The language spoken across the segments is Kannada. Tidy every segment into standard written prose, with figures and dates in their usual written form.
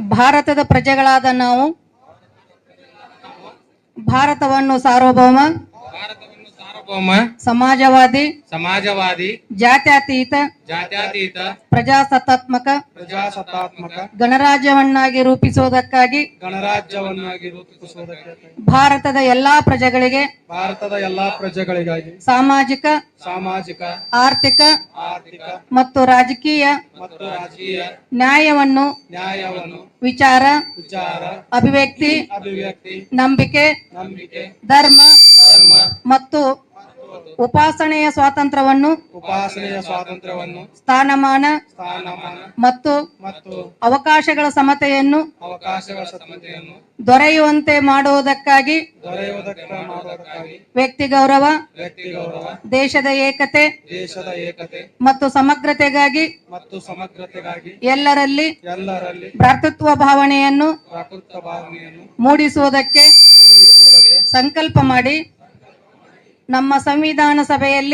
ಭಾರತದ ಪ್ರಜೆಗಳಾದ ನಾವು ಭಾರತವನ್ನು ಸಾರ್ವಭೌಮ ಸಮಾಜವಾದಿ ಜಾತ್ಯತೀತ ಪ್ರಜಾಸತ್ತಾತ್ಮಕ ಗಣರಾಜ್ಯವನ್ನಾಗಿ ರೂಪಿಸುವುದಕ್ಕಾಗಿ ಭಾರತದ ಎಲ್ಲಾ ಪ್ರಜೆಗಳಿಗಾಗಿ ಸಾಮಾಜಿಕ ಆರ್ಥಿಕ ಮತ್ತು ರಾಜಕೀಯ ನ್ಯಾಯವನ್ನು ವಿಚಾರ ಅಭಿವ್ಯಕ್ತಿ ನಂಬಿಕೆ ಧರ್ಮ ಮತ್ತು ಉಪಾಸನೆಯ ಸ್ವಾತಂತ್ರ್ಯವನ್ನು ಸ್ಥಾನಮಾನ ಮತ್ತು ಅವಕಾಶಗಳ ಸಮತೆಯನ್ನು ದೊರೆಯುವಂತೆ ಮಾಡುವುದಕ್ಕಾಗಿ ವ್ಯಕ್ತಿ ಗೌರವ ದೇಶದ ಏಕತೆ ಮತ್ತು ಸಮಗ್ರತೆಗಾಗಿ ಎಲ್ಲರಲ್ಲಿ ಭ್ರಾತೃತ್ವ ಭಾವನೆಯನ್ನು ಮೂಡಿಸುವುದಕ್ಕೆ ಸಂಕಲ್ಪ ಮಾಡಿ ನಮ್ಮ ಸಂವಿಧಾನ ಸಭೆಯಲ್ಲಿ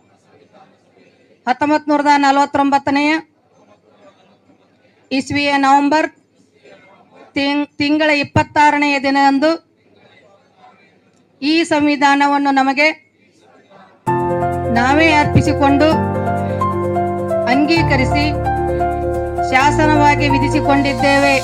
1949 ಇಸ್ವಿಯ ನವೆಂಬರ್ ತಿಂಗಳ 26ನೇ ದಿನದಂದು ಈ ಸಂವಿಧಾನವನ್ನು ನಮಗೆ ನಾವೇ ಅರ್ಪಿಸಿಕೊಂಡು ಅಂಗೀಕರಿಸಿ ಶಾಸನವಾಗಿ ವಿಧಿಸಿಕೊಂಡಿದ್ದೇವೆ.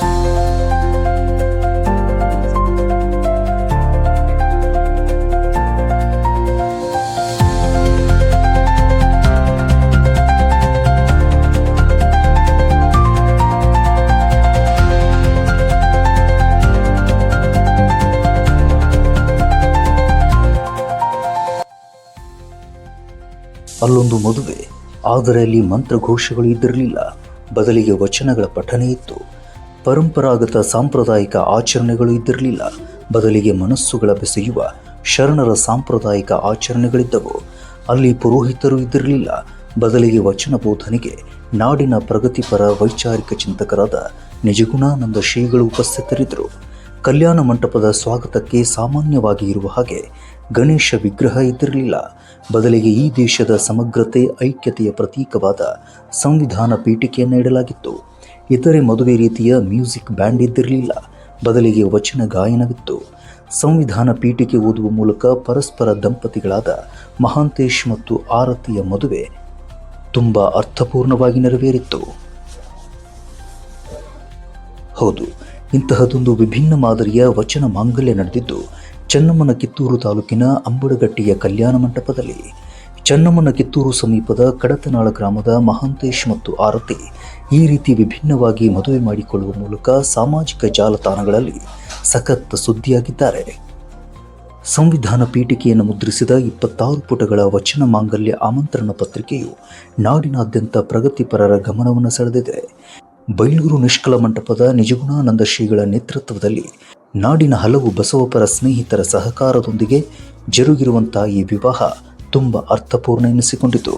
ಅಲ್ಲೊಂದು ಮದುವೆ, ಆದರೆ ಅಲ್ಲಿ ಮಂತ್ರಘೋಷಗಳು ಇದ್ದಿರಲಿಲ್ಲ. ಬದಲಿಗೆ ವಚನಗಳ ಪಠನೆ ಇತ್ತು. ಪರಂಪರಾಗತ ಸಾಂಪ್ರದಾಯಿಕ ಆಚರಣೆಗಳು ಇದ್ದಿರಲಿಲ್ಲ. ಬದಲಿಗೆ ಮನಸ್ಸುಗಳ ಬೆಸೆಯುವ ಶರಣರ ಸಾಂಪ್ರದಾಯಿಕ ಆಚರಣೆಗಳಿದ್ದವು. ಅಲ್ಲಿ ಪುರೋಹಿತರು ಇದ್ದಿರಲಿಲ್ಲ. ಬದಲಿಗೆ ವಚನ ಬೋಧನೆಗೆ ನಾಡಿನ ಪ್ರಗತಿಪರ ವೈಚಾರಿಕ ಚಿಂತಕರಾದ ನಿಜಗುಣಾನಂದ ಶ್ರೀಗಳು ಉಪಸ್ಥಿತರಿದ್ದರು. ಕಲ್ಯಾಣ ಮಂಟಪದ ಸ್ವಾಗತಕ್ಕೆ ಸಾಮಾನ್ಯವಾಗಿ ಇರುವ ಹಾಗೆ ಗಣೇಶ ವಿಗ್ರಹ ಇದ್ದಿರಲಿಲ್ಲ. ಬದಲಿಗೆ ಈ ದೇಶದ ಸಮಗ್ರತೆ ಐಕ್ಯತೆಯ ಪ್ರತೀಕವಾದ ಸಂವಿಧಾನ ಪೀಠಿಕೆಯನ್ನು ಇಡಲಾಗಿತ್ತು. ಇತರೆ ಮದುವೆ ರೀತಿಯ ಮ್ಯೂಸಿಕ್ ಬ್ಯಾಂಡ್ ಇದ್ದಿರಲಿಲ್ಲ. ಬದಲಿಗೆ ವಚನ ಗಾಯನವಿತ್ತು. ಸಂವಿಧಾನ ಪೀಠಿಕೆ ಓದುವ ಮೂಲಕ ಪರಸ್ಪರ ದಂಪತಿಗಳಾದ ಮಹಾಂತೇಶ್ ಮತ್ತು ಆರತಿಯ ಮದುವೆ ತುಂಬ ಅರ್ಥಪೂರ್ಣವಾಗಿ ನೆರವೇರಿತ್ತು. ಹೌದು, ಇಂತಹದೊಂದು ವಿಭಿನ್ನ ಮಾದರಿಯ ವಚನ ಮಾಂಗಲ್ಯ ನಡೆದಿದ್ದು ಚೆನ್ನಮ್ಮನ ಕಿತ್ತೂರು ತಾಲೂಕಿನ ಅಂಬಡಗಟ್ಟಿಯ ಕಲ್ಯಾಣ ಮಂಟಪದಲ್ಲಿ. ಚೆನ್ನಮ್ಮನ ಕಿತ್ತೂರು ಸಮೀಪದ ಕಡತನಾಳ ಗ್ರಾಮದ ಮಹಾಂತೇಶ್ ಮತ್ತು ಆರತಿ ಈ ರೀತಿ ವಿಭಿನ್ನವಾಗಿ ಮದುವೆ ಮಾಡಿಕೊಳ್ಳುವ ಮೂಲಕ ಸಾಮಾಜಿಕ ಜಾಲತಾಣಗಳಲ್ಲಿ ಸಖತ್ ಸುದ್ದಿಯಾಗಿದ್ದಾರೆ. ಸಂವಿಧಾನ ಪೀಠಿಕೆಯನ್ನು ಮುದ್ರಿಸಿದ 26 ಪುಟಗಳ ವಚನ ಮಾಂಗಲ್ಯ ಆಮಂತ್ರಣ ಪತ್ರಿಕೆಯು ನಾಡಿನಾದ್ಯಂತ ಪ್ರಗತಿಪರರ ಗಮನವನ್ನು ಸೆಳೆದಿದೆ. ಬೈಲೂರು ನಿಷ್ಕಲ ಮಂಟಪದ ನಿಜಗುಣಾನಂದ ಶ್ರೀಗಳ ನೇತೃತ್ವದಲ್ಲಿ ನಾಡಿನ ಹಲವು ಬಸವಪರ ಸ್ನೇಹಿತರ ಸಹಕಾರದೊಂದಿಗೆ ಜರುಗಿರುವಂತಹ ಈ ವಿವಾಹ ತುಂಬ ಅರ್ಥಪೂರ್ಣ ಎನಿಸಿಕೊಂಡಿತು.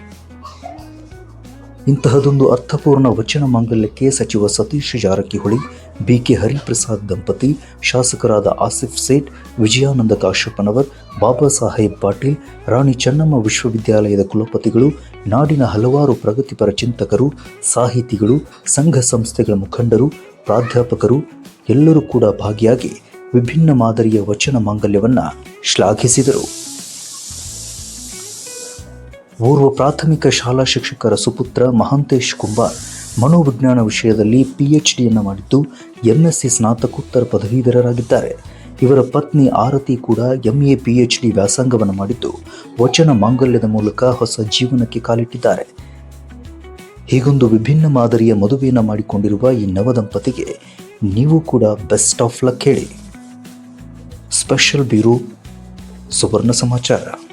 ಇಂತಹದೊಂದು ಅರ್ಥಪೂರ್ಣ ವಚನ ಮಾಂಗಲ್ಯಕ್ಕೆ ಸಚಿವ ಸತೀಶ್ ಜಾರಕಿಹೊಳಿ, ಬಿಕೆ ಹರಿಪ್ರಸಾದ್ ದಂಪತಿ, ಶಾಸಕರಾದ ಆಸಿಫ್ ಸೇಠ್, ವಿಜಯಾನಂದ ಕಾಶಪ್ಪನವರ್, ಬಾಬಾ ಸಾಹೇಬ್ ಪಾಟೀಲ್, ರಾಣಿ ಚೆನ್ನಮ್ಮ ವಿಶ್ವವಿದ್ಯಾಲಯದ ಕುಲಪತಿಗಳು, ನಾಡಿನ ಹಲವಾರು ಪ್ರಗತಿಪರ ಚಿಂತಕರು, ಸಾಹಿತಿಗಳು, ಸಂಘ ಸಂಸ್ಥೆಗಳ ಮುಖಂಡರು, ಪ್ರಾಧ್ಯಾಪಕರು ಎಲ್ಲರೂ ಕೂಡ ಭಾಗಿಯಾಗಿ ವಿಭಿನ್ನ ಮಾದರಿಯ ವಚನ ಮಾಂಗಲ್ಯವನ್ನು ಶ್ಲಾಘಿಸಿದರು. ಓರ್ವ ಪ್ರಾಥಮಿಕ ಶಾಲಾ ಶಿಕ್ಷಕರ ಸುಪುತ್ರ ಮಹಾಂತೇಶ್ ಕುಂಬಾರ್ ಮನೋವಿಜ್ಞಾನ ವಿಷಯದಲ್ಲಿ PhDಯನ್ನು ಮಾಡಿದ್ದು MSc ಸ್ನಾತಕೋತ್ತರ ಪದವೀಧರರಾಗಿದ್ದಾರೆ. ಇವರ ಪತ್ನಿ ಆರತಿ ಕೂಡ MA PhD ವ್ಯಾಸಂಗವನ್ನು ಮಾಡಿದ್ದು ವಚನ ಮಾಂಗಲ್ಯದ ಮೂಲಕ ಹೊಸ ಜೀವನಕ್ಕೆ ಕಾಲಿಟ್ಟಿದ್ದಾರೆ. ಹೀಗೊಂದು ವಿಭಿನ್ನ ಮಾದರಿಯ ಮದುವೆಯನ್ನು ಮಾಡಿಕೊಂಡಿರುವ ಈ ನವದಂಪತಿಗೆ ನೀವು ಕೂಡ ಬೆಸ್ಟ್ ಆಫ್ ಲಕ್ ಹೇಳಿ. ಸ್ಪೆಷಲ್ ಬ್ಯೂರೋ ಸುವರ್ಣ ಸಮಾಚಾರ.